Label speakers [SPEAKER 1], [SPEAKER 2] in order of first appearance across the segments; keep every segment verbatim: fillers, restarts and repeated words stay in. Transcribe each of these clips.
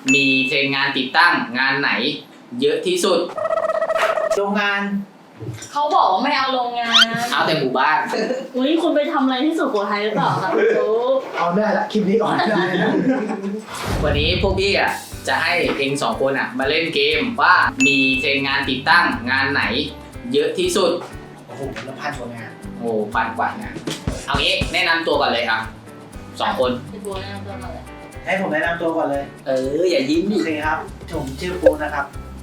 [SPEAKER 1] มีเทรนงานติดตั้งงานไหนเยอะที่สุด
[SPEAKER 2] โรงงาน
[SPEAKER 3] เขาบอกว่าไม่เอาโรงงาน
[SPEAKER 1] เอาแต่หมู่บ้าน
[SPEAKER 3] อุ้ยคุณไปทำอะไรที่สุโขทัยหรือเปล่าครับ
[SPEAKER 2] เอาได้ละคลิปนี้ออนได้นะ
[SPEAKER 1] วันนี้พวกพี่อ่ะจะให้เองสองคนอ่ะมาเล่นเกมว่ามีเทรนงานติดตั้งงานไหนเยอะที่สุด
[SPEAKER 2] โอ้โหละพันกว่างาน
[SPEAKER 1] โอ้พันกว่างานเอางี้แนะนำตัวก่อนเลยครับสองคน
[SPEAKER 3] พี่ปูแนะนำตัวก่อนเลย
[SPEAKER 2] ให้ผมแนะนำตัวก่อนเลย
[SPEAKER 1] เอออย่ายิ้มดิ
[SPEAKER 2] โอเคครับผมชื่อปูนะครับ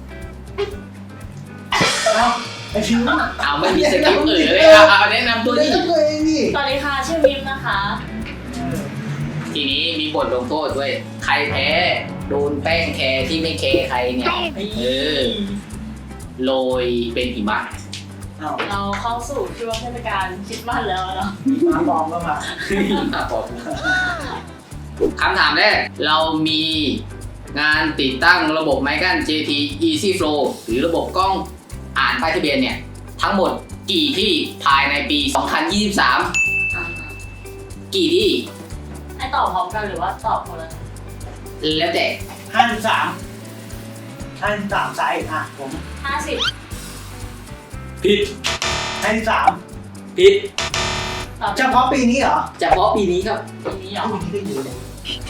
[SPEAKER 2] เอาไอชิว
[SPEAKER 1] เอาไม่มีสกิปเออเลยเอาแนะนำตัวดิ
[SPEAKER 2] ตัวเองดิ
[SPEAKER 3] สวัสดีค่ะชื่อมิมนะคะ
[SPEAKER 1] ทีนี้มีบทลงโทษด้วยใครแพ้โดนแป้งแคร์ที่ไม่แคร์ใครเนี่ยเออโรยเป็นหิมะ
[SPEAKER 3] เราเข้าสู่ช่วงเทศกาลคริสต์มาสแล้วเนาะ
[SPEAKER 2] มาบอมก็มา
[SPEAKER 1] คำถามแรกเรามีงานติดตั้งระบบไมค์กั้น เจ ที Easy Flow หรือระบบกล้องอ่านป้ายทะเบียนเนี่ยทั้งหมดกี่ที่ภายในปีสองพันยี่สิบสามกี่ที่
[SPEAKER 3] ให้ตอบพร้อมกันหรือว่าตอบคนละ
[SPEAKER 1] แล้วแต่
[SPEAKER 2] ห้าสิบสามห้าสิบสามไซส์อ่ะผม
[SPEAKER 3] ห้าสิบ
[SPEAKER 1] ผิด
[SPEAKER 2] ห้าสิบสาม
[SPEAKER 1] ผิด
[SPEAKER 2] เฉพาะปีนี้เหรอ
[SPEAKER 1] เฉพาะปีนี้ครับ
[SPEAKER 3] ปีนี้เหรอ
[SPEAKER 2] ปีนี้ก็เยอะเลย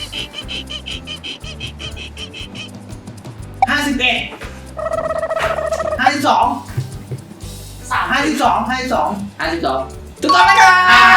[SPEAKER 2] ห้าสิบเอ็ดห้าสิบสอง
[SPEAKER 3] สาม
[SPEAKER 2] ห้าสิบสองห้าสิบสอง
[SPEAKER 1] ห้าสิบสองถูกต้องนะครับ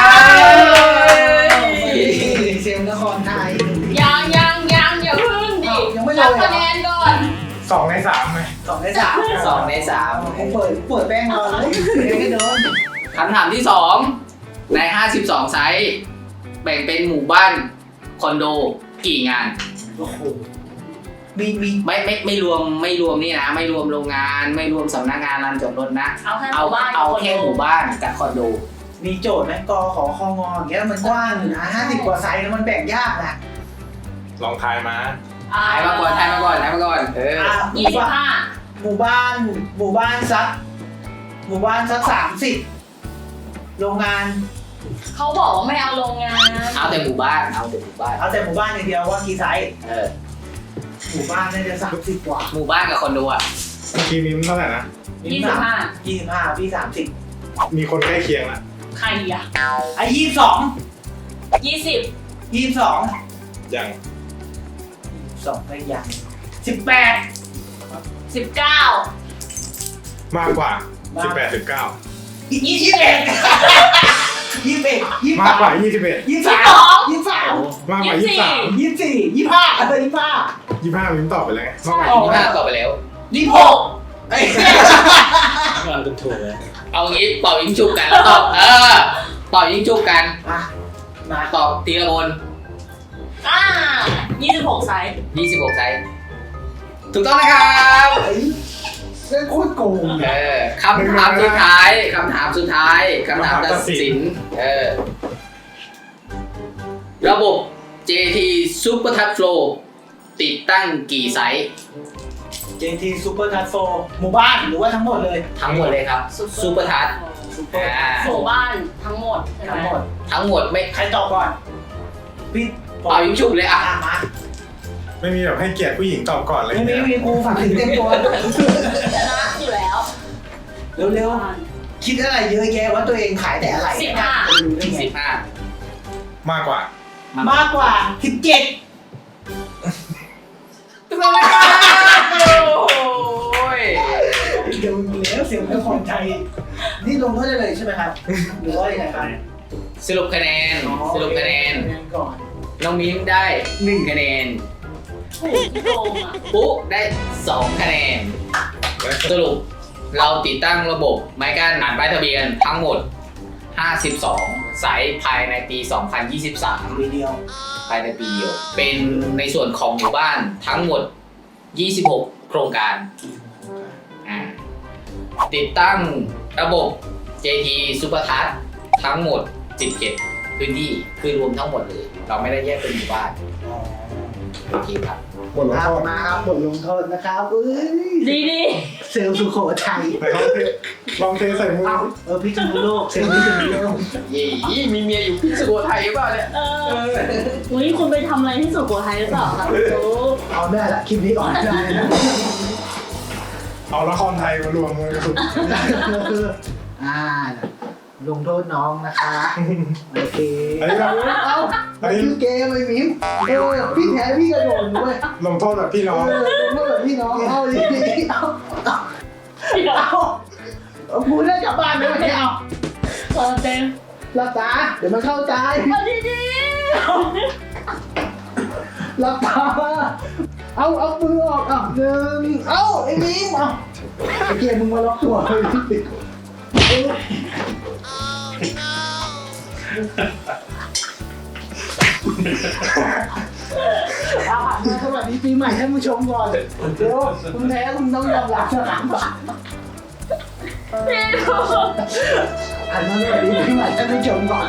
[SPEAKER 2] เซลนครไทย
[SPEAKER 3] ยังยังยังอย่าพึ่งดิ
[SPEAKER 2] ยังไม่
[SPEAKER 3] นับคะแนนก่อน
[SPEAKER 4] สองในสามไหม
[SPEAKER 2] สองในสาม
[SPEAKER 1] สองในสาม
[SPEAKER 2] ผมเปิดเปิดแป้งรอเลยไม่โดน
[SPEAKER 1] คำถามที่สองในห้าสิบสองไซส์แบ่งเป็นหมู่บ้านคอนโดกี่งาน
[SPEAKER 2] โอ้โหมีมี
[SPEAKER 1] ไม่ไม่ไม่รวมไม่รวมนี่นะไม่รวมโรงงานไม่รวมสำนักงานร้านจอดรถนะ
[SPEAKER 3] เอาแค่หมู่บ้าน
[SPEAKER 1] เอาแค่หมู่บ้านกับคอนโด
[SPEAKER 2] มีโจทย์ไหมกอขอคองออย่างเงี้ยมันกว้างอยู่นะห้าสิบกว่าไซส์แล้วมันแบ่งยากนะ
[SPEAKER 4] ลองทายมา
[SPEAKER 1] ทายมาก่อนทายมาก่อนทายมาก่อนเออ
[SPEAKER 3] ยี่สิบห้า
[SPEAKER 2] หมู่บ้านหมู่บ้านสักหมู่บ้านสักสามสิบโรงงาน
[SPEAKER 3] เขาบอกว่าไม่เอาโรงงาน
[SPEAKER 1] เอาแต่หมู่บ้านเอาแต่หมู่บ้าน
[SPEAKER 2] เอาแต่หมู่บ้านอย่างเดียวว่ากี่ไซส์
[SPEAKER 1] เออ
[SPEAKER 2] หมู่บ้านน่าจะสามสิบกว่า
[SPEAKER 1] หมู่บ้านกับคอนโดอ่ะ
[SPEAKER 4] เมื่อกี้มิ้มเท่าไหร่นะ
[SPEAKER 3] ยี่สิบห้า
[SPEAKER 2] ยี่สิบห้าพี่สามสิบ
[SPEAKER 4] มีคนใกล้เคียงละ
[SPEAKER 3] ใครอ่ะ
[SPEAKER 2] ไอ้ยี่สิบสอง
[SPEAKER 3] ยี่สิบ
[SPEAKER 2] ยี่สิบสอง
[SPEAKER 4] ยัง
[SPEAKER 2] สองไม่ยังสิบแปด
[SPEAKER 3] สิบเก้าม
[SPEAKER 4] ากกว่าสิบแปดสิบเก้า
[SPEAKER 2] ยี่สิบเอ็ดยี่สิบเอ็ดยี่สิบ
[SPEAKER 4] มากกว่ายี่สิบเอ็ด
[SPEAKER 2] ยี่สิบสามยี่สิบสาม
[SPEAKER 4] มากกว่ายี่สิบสาม
[SPEAKER 2] ยี่สิบสี่ยี่สิบห้าอะไรยี่สิบห้า
[SPEAKER 4] ยี่สิบห้ามิ้มตอบไปแล้ว
[SPEAKER 1] มากกว่ายี่สิบห้าตอบไปแล้ว
[SPEAKER 2] ยี่สิบหกเอ้ย
[SPEAKER 4] เราจะถูกเลย
[SPEAKER 1] เอางี้เป่ายิงจุบกันแล้วตอบเออเป่ายิงจุบกัน
[SPEAKER 2] มา
[SPEAKER 1] ตอบทีละคน
[SPEAKER 3] อ่ายี่สิบหกไซส์
[SPEAKER 1] ยี่สิบหกไซส์ถูกต้องนะครับ
[SPEAKER 2] เล่นโคตรโกง
[SPEAKER 1] เออคำถามสุดท้ายคำถามสุดท้ายคำถามตัดสินเออระบบ เจ ที Super Touch Flow ติดตั้งกี่ไซส์
[SPEAKER 2] เจ ที Super Touch Flow หมู่บ้านหรือว่าทั้งหมดเลย
[SPEAKER 1] ทั้งหมดเลยครับ Super Touch
[SPEAKER 3] หมู่บ้านทั้งหมด
[SPEAKER 2] ทั้งหมด
[SPEAKER 1] ทั้งหมดไม่
[SPEAKER 2] ใครตอบก่อนพี่
[SPEAKER 1] เป่ายิงฉุบเลยอ่ะ
[SPEAKER 2] มา
[SPEAKER 4] ไม่มีแบบให้เกียรติผู้หญิงตอบก่อนเลย
[SPEAKER 2] ไม่มีมีกูฝากถึงเต็มตัว
[SPEAKER 3] ชนะอยู่แล้ว
[SPEAKER 2] เร็วๆคิดอะไรเยอะแยะว่าตัวเองขายแต่อะไร
[SPEAKER 3] สิบห้า
[SPEAKER 1] สิบห้าม
[SPEAKER 4] ากกว่าม
[SPEAKER 2] ากกว่าสิบเจ็ด
[SPEAKER 1] ถูกต้องเลยครับโอ้ย
[SPEAKER 2] เดี๋ยวแล้วเสียงไม่พอใจนี่ลงโทษได้เลยใช่ไหมครับหรือว่ายังไงครับ
[SPEAKER 1] สรุปคะแนนสรุปคะแนน
[SPEAKER 2] ก่อน
[SPEAKER 1] น้องมิ้มได้หนึ่งคะแนนปุ๊ได้สองคะแนนสรุปเราติดตั้งระบบไม้กั้นอ่านป้ายทะเบียนทั้งหมดห้าสิบสองไซส์ภายในปีสองพันยี่สิบสาม
[SPEAKER 2] ปีเดียว
[SPEAKER 1] ภายในปีเดียวเป็นในส่วนของหมู่บ้านทั้งหมดยี่สิบหกโครงการติดตั้งระบบ เจ ที Super Touch ทั้งหมดสิบเจ็ดพื้นที่คือรวมทั้งหมดเลยเราไม่ได้แยกเป็นหมู่บ้านโอเคครับ
[SPEAKER 4] บทลง
[SPEAKER 2] ครั
[SPEAKER 4] โท
[SPEAKER 2] บ
[SPEAKER 4] ษ
[SPEAKER 2] มาครับบทลงโทษนะครับเอ้ย
[SPEAKER 3] ดีดี
[SPEAKER 2] เซลล์สุโขทัย
[SPEAKER 4] ไหนลองเทลองเทใส่มือ
[SPEAKER 2] เอ้าเออพิษณุโลกเซลล์พิษณุโลก
[SPEAKER 1] ยี่มีเมียอยู่พิษณุไทยหรือเปล่าเนี่ย
[SPEAKER 3] เอออุ้ยคุณไปทำอะไรที่สุโขทัยหรือเปล่าคะคุณรู้
[SPEAKER 2] เอาได้ละคลิปนี้ออนได้นะ
[SPEAKER 4] เอาละครไทยมารวมกันสุด
[SPEAKER 2] อ่าลงโทษน้องนะคะโอเค
[SPEAKER 4] อันนี้แบบ
[SPEAKER 2] เอ้ามันคือเกมไอ้มิ้มเออพี่แพ้พี่กระโดดด้วย
[SPEAKER 4] ลงโทษแบบพี่น้อง
[SPEAKER 2] เออลงโทษแบบพี่น้องเอาดิเอาเอาเอาเอาพูดได้กลับบ้านเลยไม่เอา
[SPEAKER 3] เออเต็ม
[SPEAKER 2] หลับตาเดี๋ยวมันเข้าใจ
[SPEAKER 3] เอาดีดี
[SPEAKER 2] หลับตาเอาเอามือออกอ่ะหนึ่งเอาไอ้มิ้มเอาไอ้เกียร์มึงมาล็อกตัวเลยที่ติดเอาอ่ะมาสวัสดีปีใหม่ท่านผู้ชมก่อนเดี๋ยวคุณแพ้คุณต้องยอมรับนะครับ
[SPEAKER 3] พี่ดู
[SPEAKER 2] อันนั้นสวัสดีปีใหม่ท่านผู้ชมก่อน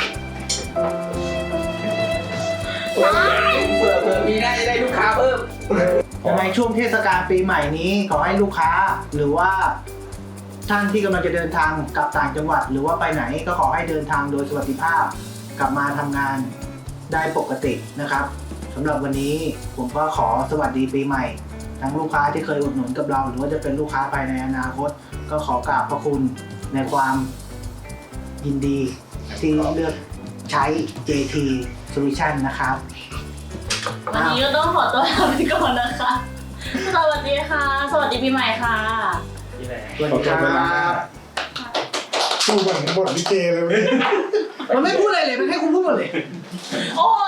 [SPEAKER 1] เผื่อเผื่อปีหน้าจะได้ลูกค้าเพิ่ม
[SPEAKER 2] ยังไงช่วงเทศกาลปีใหม่นี้ขอให้ลูกค้าหรือว่าท่านที่กำลังจะเดินทางกลับต่างจังหวัด หรือว่าไปไหนก็ขอให้เดินทางโดยสวัสดิภาพ กลับมาทำงานได้ปกตินะครับสำหรับวันนี้ผมก็ขอสวัสดีปีใหม่ ทั้งลูกค้าที่เคยอุดหนุนกับเรา หรือว่าจะเป็นลูกค้าภายในอนาคต ก็ขอกราบพระคุณในความยินดีที่เลือกใช้ เจ ที Solution นะครับ
[SPEAKER 3] วันนี้ก็ต้องขอตัวลาไปก่อนนะคะ สวัสดีค่ะ สวัสดีปีใหม่ค่ะ
[SPEAKER 2] สวัสดีครับ
[SPEAKER 4] สู้เหมือนบทลิเกเลยเว้ย
[SPEAKER 2] มันไม่พูดอะไรเลย มันให้คุณพูดหมดเลย
[SPEAKER 3] โอ้